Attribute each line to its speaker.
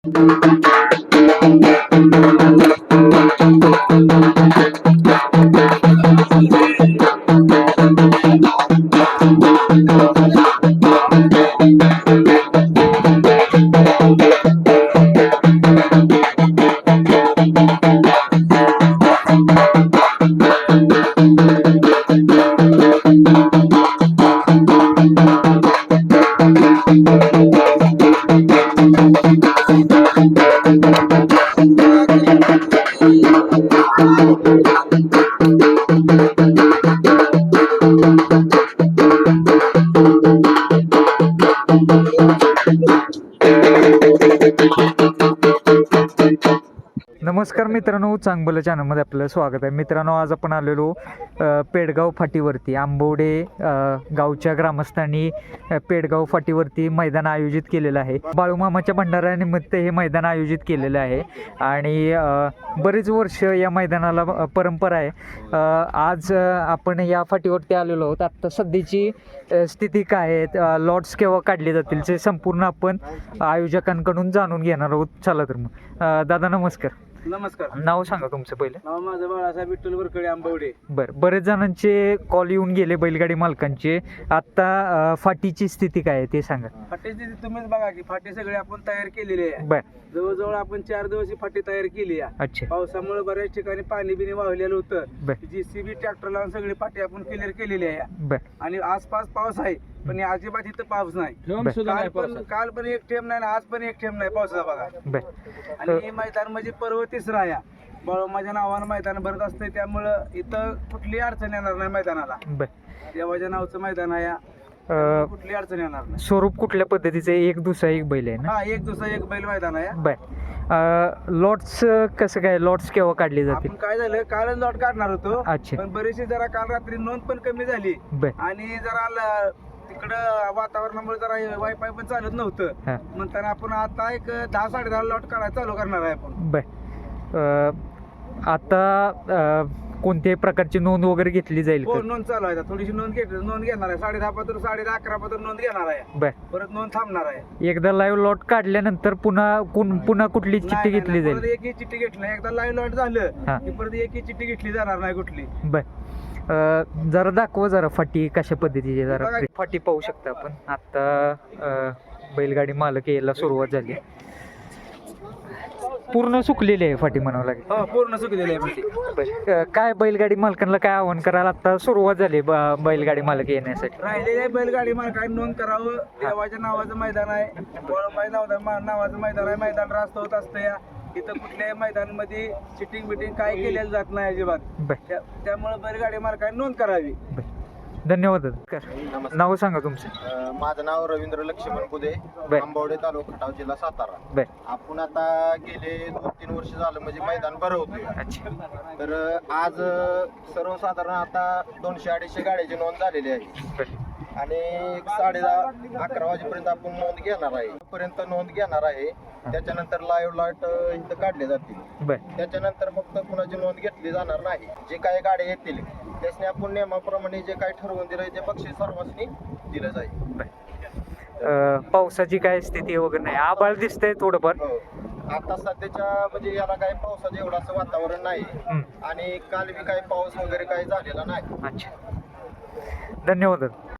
Speaker 1: नमस्कार मित्रांनो, चांगलं चॅनलमध्ये आपलं स्वागत आहे. मित्रांनो, आज आपण आलेलो पेडगाव फाटीवरती आंबवडे गावच्या ग्रामस्थांनी पेडगाव फाटीवरती मैदान आयोजित केलेलं आहे. बाळूमामाच्या भंडाऱ्यानिमित्त हे मैदान आयोजित केलेलं आहे आणि बरीच वर्ष या मैदानाला परंपरा आहे. आज आपण या फाटीवरती आलेलो आहोत. आत्ता सध्याची स्थिती काय आहे, लॉट्स केव्हा काढले जातील ते संपूर्ण आपण आयोजकांकडून जाणून घेणार आहोत. चला तर मग दादा नमस्कार.
Speaker 2: नमस्कार.
Speaker 1: नाव सांगा तुमचं पहिलं.
Speaker 2: नाव माझं बाळासाहेब विठ्ठल वरकडे आंबवडे.
Speaker 1: बरं, बरेच जणांचे कॉल येऊन गेले बैलगाडी मालकांचे. आत्ता फाटीची स्थिती काय आहे ते सांगा.
Speaker 2: फाटीची तुम्हीच बघा की फाटी सगळी आपण तयार केलेली आहे.
Speaker 1: बरं,
Speaker 2: जवळजवळ आपण 4 दिवस ही फाटी तयार केली आहे.
Speaker 1: अच्छा.
Speaker 2: पावसामुळे बऱ्याच ठिकाणी पाणी बिनी वाहलेलं होतं.
Speaker 1: बरं
Speaker 2: JCB ट्रॅक्टर लावून सगळी फाटी आपण क्लिअर केलेली आहे.
Speaker 1: बरं
Speaker 2: आणि आसपास पाऊस आहे पण अजिबात इथं पाऊस नाही. काल पण एक थेंब नाही, आज पण एक थेंब नाही पावसाचा बघा.
Speaker 1: बरं.
Speaker 2: आणि हे मैदान म्हणजे पर्व तिसरा आहे. माझ्या नावानं मैदान भरत असते, त्यामुळं इथं कुठली अडचण येणार नाही मैदानाला.
Speaker 1: बरं,
Speaker 2: देवाच्या नावचं मैदान आहे, कुठली अडचण येणार नाही.
Speaker 1: स्वरूप कुठल्या पद्धतीचं, एक दुसरा एक बैल आहे ना?
Speaker 2: हा, एक दुसरा एक बैल मैदान आहे.
Speaker 1: बरं, लॉट्स कसं काय, लॉट्स केव्हा काढले जातील?
Speaker 2: आपण काय झालं, कालच लॉट काढणार होतो.
Speaker 1: अच्छा.
Speaker 2: पण बरीचशी जरा काल रात्री नोंद पण कमी झाली
Speaker 1: बरं.
Speaker 2: आणि जरा तिकडं वातावरणामुळे जरा वायफाय पण चालत नव्हतं. म्हणताना आपण आता एक 10-10:30 लॉट काढायला चालू करणार आहे आपण.
Speaker 1: बरं, आता कोणत्याही प्रकारची नोंद वगैरे घेतली जाईल
Speaker 2: हो,
Speaker 1: का?
Speaker 2: नोंद चालू आहे. थोडीशी नोंद घेणार आहे. 10:30 पासून 10:30-11 पासून नोंद घेणार आहे.
Speaker 1: बरं,
Speaker 2: परत नोंद थांबणार आहे.
Speaker 1: एकदा लाईव्ह लॉट काढल्यानंतर पुन्हा कुठली चिठ्ठी घेतली जाईल?
Speaker 2: परत एकही चिठ्ठी घेतली नाही. एकदा लाईव्ह लॉट झालं की परत एकही चिठ्ठी घेतली जाणार नाही कुठली.
Speaker 1: बरं, जरा दाखवा जरा फाटी कशा पद्धतीची. जरा फाटी पाहू शकता आपण. आता बैलगाडी मालक यायला सुरुवात झाली. पूर्ण सुकलेली आहे फाटी म्हणावं लागेल.
Speaker 2: हो, पूर्ण सुकलेली आहे फाटी.
Speaker 1: बरं, काय बैलगाडी मालकांना काय आव्हान करायला आता सुरुवात झाली बैलगाडी मालक येण्यासाठी?
Speaker 2: राहिलेल्या बैलगाडी मालकांनी नोंद करावं. देवाच्या नावाचं मैदान आहे, नावाचं मैदान आहे. मैदान रास्त होत असतं. या इथं कुठल्याही मैदानामध्ये चिटिंग बिटिंग काय केलेलं जात नाही अजिबात. त्यामुळे बैलगाडी मालकांनी नोंद करावी.
Speaker 1: धन्यवाद. नाव सांगा तुमचं.
Speaker 3: माझं नाव रवींद्र लक्ष्मण बुधे, आंबवडे तालुका खटाव, जिल्हा सातारा. आपण आता गेले 2-3 वर्ष झालं म्हणजे मैदान भरवतोय.
Speaker 1: अच्छा.
Speaker 3: तर आज सर्वसाधारण आता 200-250 गाड्याची नोंद झालेली आहे आणि 10:30-11 वाजेपर्यंत आपण नोंद घेणार आहे. पर्यंत नोंद घेणार आहे. त्याच्यानंतर लाईव्ह लॉट इथं काढले जातील. त्याच्यानंतर फक्त कुणाची नोंद घेतली जाणार नाही. जे काही गाड्या येतील त्यासने आपण नियमाप्रमाणे जे काही ठरवून दिलंय ते बक्षीस सर्वांनी दिलं जाईल.
Speaker 1: पावसाची काय स्थिती वगैरे नाही? आभाळ दिसतंय थोडंफार.
Speaker 3: आता सध्याच्या म्हणजे याला काही पावसाचं एवढं असं वातावरण नाही आणि काल बी काही पाऊस वगैरे काही झालेला नाही.
Speaker 1: अच्छा, धन्यवाद.